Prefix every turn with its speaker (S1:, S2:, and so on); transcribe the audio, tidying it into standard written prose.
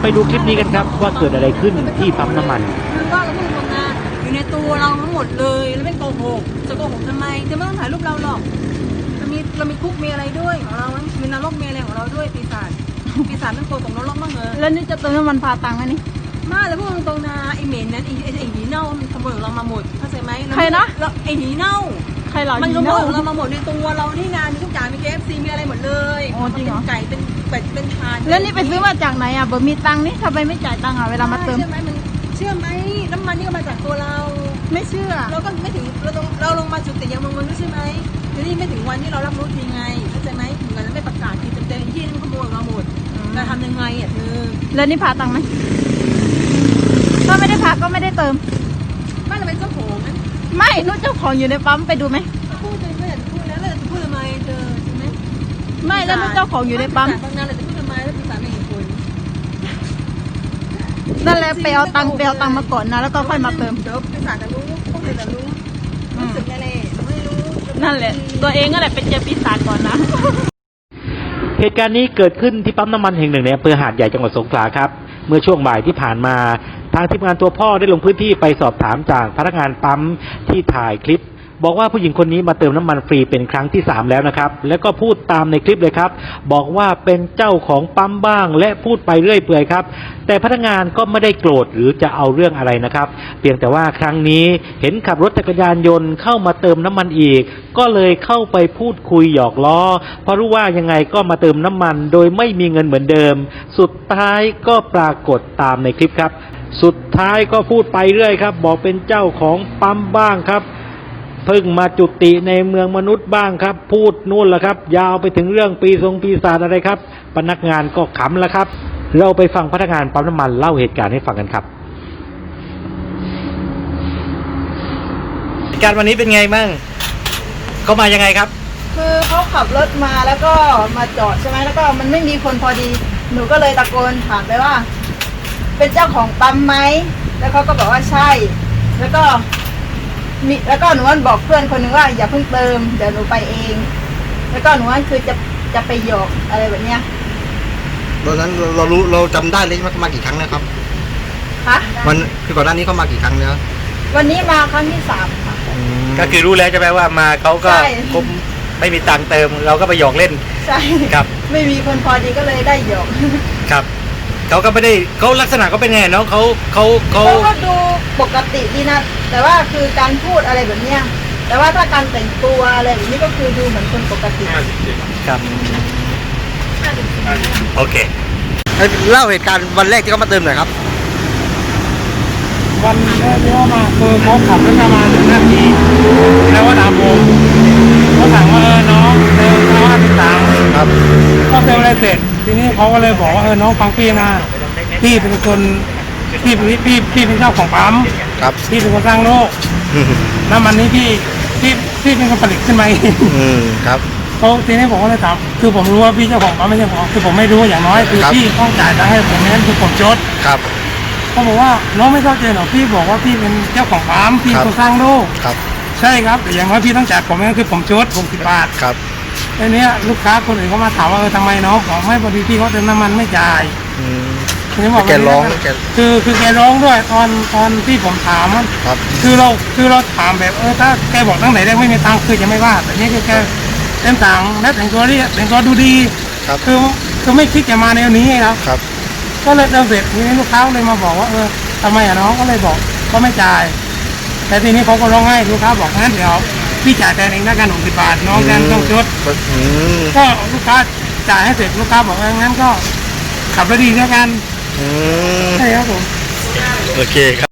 S1: ไปดูคลิปนี้กันครับว่าเกิดอะไรขึ้นที่ปั๊มน้ำมัน
S2: คือก็เราพูดตรงนะอยู่ในตัวเราทั้งหมดเลยแล้วไม่โกหกจะโกหกทำไมจะไม่ต้องถ่ายรูปเราหรอกเรามีคุกมีอะไรด้วยของเรามีนรกมีอะไรของเราด้วยปีศาจมันโกงตกนรกบ้างเหรอ
S3: แล้วนี่จะเติมน้ำมันพาตังค์ไหมนี่
S2: มาแล้วพูดตรงๆนะไอเหม็นนั้นไอหีเน่ามันขโมยของเรามาหมดเข้าใจไหม
S3: ใครนะ
S2: ไอหีเน่า
S3: ใครหรอ
S2: มันขโมยของเรามาหมดในตัวเราที่งานมีทุกอย่างมี KFC มีอะไรหมดเลย
S3: จริงเหรอ
S2: เป็นไก่เป็นเป็ดเป็นทาน
S3: แล้วนี่ไปซื้อมาจากไหนอ่ะเบอร์มีตังค์นี่ทำไมไม่จ่ายตังค์อ่ะเวลามาเติม
S2: เชื่อไหมน้ำมันนี่ก็มาจากตัวเรา
S3: ไม่เชื่อ
S2: เราก็ไม่ถึงเราลงมาจุดติยังมันไม่ใช่ไหมทีนี้ไม่ถึงวันที่เรารับรู้ทีไงเข้าใจไหมถึงกันแล้วไม่ประกาศทีเต็มๆที่มันขโมยเราหมดจะทำยังไงอ่ะเธอ
S3: แล้วนี่พาตังค์ไหมถ้าไม่ได้พาก็ไม่ได้เติม
S2: ไม่เราเป็นเจ้าของนะ
S3: ไม่นู้นเจ้าของอยู่ในปั๊มไปดูไหม
S2: พูดเลยไม่อยากพูดแล้วเราจะพูดทำไมเธอใช่ไหม
S3: ไม่แล้วนู้นเจ้าของอยู่ในปั๊ม
S2: บางงานเราจะพูดทำไมแล้วปีศาจไม่เห็นคน
S3: นั่นแหละไปเอาตังค์มาก่อนนะแล้วก็ค่อยมาเติม
S2: เดี๋ยวปีศาจจะรู้พวกเธอจะรู้รู้สึกอะไรไม่รู้
S3: นั่นแหละตัวเองก็แหละเป็นเจอปีศาจก่อนนะ
S1: เหตุการณ์นี้เกิดขึ้นที่ปั๊มน้ำมันแห่งหนึ่งในอำเภอหาดใหญ่จังหวัดสงขลาครับเมื่อช่วงบ่ายที่ผ่านมาทางทีมงานตัวพ่อได้ลงพื้นที่ไปสอบถามจากพนักงานปั๊มที่ถ่ายคลิปบอกว่าผู้หญิงคนนี้มาเติมน้ำมันฟรีเป็นครั้งที่3แล้วนะครับแล้วก็พูดตามในคลิปเลยครับบอกว่าเป็นเจ้าของปั๊มบ้างและพูดไปเรื่อยเปื่อยครับแต่พนักงานก็ไม่ได้โกรธหรือจะเอาเรื่องอะไรนะครับเพียงแต่ว่าครั้งนี้เห็นขับรถจักรยานยนต์เข้ามาเติมน้ำมันอีกก็เลยเข้าไปพูดคุยหยอกล้อเพราะรู้ว่ายังไงก็มาเติมน้ำมันโดยไม่มีเงินเหมือนเดิมสุดท้ายก็ปรากฏตามในคลิปครับสุดท้ายก็พูดไปเรื่อยครับบอกเป็นเจ้าของปั๊มบ้างครับเพิ่งมาจุติในเมืองมนุษย์บ้างครับพูดนู่นแหละครับยาวไปถึงเรื่องปีศาจอะไรครับพนักงานก็ขำแล้วครับเราไปฟังพนักงานปั๊มน้ำมันเล่าเหตุการณ์ให้ฟังกันครับเหตุการณ์วันนี้เป็นไงบ้างเขามายังไงครับ
S3: คือเขาขับรถมาแล้วก็มาจอดใช่ไหมแล้วก็มันไม่มีคนพอดีหนูก็เลยตะโกนถามไปว่าเป็นเจ้าของปั๊มไหมแล้วเขาก็บอกว่าใช่แล้วก็หนูบอกเพื่อนคนหนึ่งว่าอย่าเพิ่งเติมเดี๋ยวหนูไปเองแล้วก็หนูคือจะไปหยอกอะไรแบบเนี้ย
S4: ตอนนั้นเราจำได้เลยว่ามากี่ครั้งนะครับ
S3: คะ
S4: มันคือก่อนหน้านี้เขามากี่ครั้งแล้ว
S3: วันนี้มาครั้งที่3ค่ะ
S1: ก็คือรู้แล้วใช่ไหมว่ามาเขาก็ไม่มีตังค์เติมเราก็ไปหยอกเล่น
S3: ใช่
S1: ครับ
S3: ไม่มีคนพอดีก็เลยได้หยอก
S1: ครับเขาก็ไม่ได้เขาลักษณะเขาเป็นไงน้องเขา
S3: ก็ดูปกติดีนะแต่ว่าคือการพูดอะไรแบบเนี้ยแต่ว่าถ้าการแต่งตัวอะไรแบบนี้ก็คือดูเหมือนคนปกติ
S1: ครับโอเค
S4: เล่าเหตุการณ์วันแรกที่เขามาเติมหน่อยครับ
S5: วันแรกที่เขามาคือเขาขับรถมาถึงหน้าที่แล้วก็ถามผมเขาถามว่าน้องเติม53
S4: ครับ
S5: ก็เติมอะไรเสร็จทีนี้เขาก็เลยบอกว่าน้องฟังพี่นะพี่เป็นคนพี่เป็นเจ้าของปั๊ม
S4: ครับ
S5: พี่เป็นคนสร้างโลกน้ำมันนี้พี่เป็นคนผลิตขึ้นมาเอง
S4: ครับ
S5: เขาทีนี้ผมก็เลยถามคือผมรู้ว่าพี่เจ้าของปั๊มไม่ใช่ผมคือผมไม่รู้อย่างน้อยคือพี่ต้องจ่ายตังค์ให้ผมนั้นคือผมจด
S4: ครับ
S5: เขาบอกว่าน้องไม่เข้าใจหรอกพี่บอกว่าพี่เป็นเจ้าของปั๊มพี่คนสร้างโลก
S4: ครับ
S5: ใช่ครับแต่อย่างน้อยพี่ต้องจ่ายผมนั่นคือผมจด60 บาท
S4: ครับ
S5: ทีนี้ลูกค้าคนอื่นเขามาถามว่าทำไมน้องบอกไม่พอดีพี่เขาเติมน้ำมันไม่จ่าย
S4: ทีนี้บอกแกร้อง
S5: คือแกร้องด้วยตอนที่ผมถาม
S4: ครับ
S5: คือเราถามแบบถ้าแกบอกตั้งไหนแรกไม่มีตังค์คือจะไม่ว่าแต่นี่คือแกเต็มต่างและแต่งตัวดูดีคือไม่คิดจะมาแนวนี้
S4: ครับ
S5: ก็เลยเติมเสร็จทีนี้ลูกค้าเลยมาบอกว่าทำไมน้องก็เลยบอกก็ไม่จ่ายแต่ทีนี้เขาก็ร้องไห้ลูกค้าบอกงั้นเดี๋ยวพี่จ่ายแทนเองได้กัน60 บาทน้องแทนต้องชดก็ลูกค้าจ่ายให้เสร็จลูกค้าบอกงั้นก็ขับรถดีแล้วกันใช่ครับผม
S4: โอเคครับ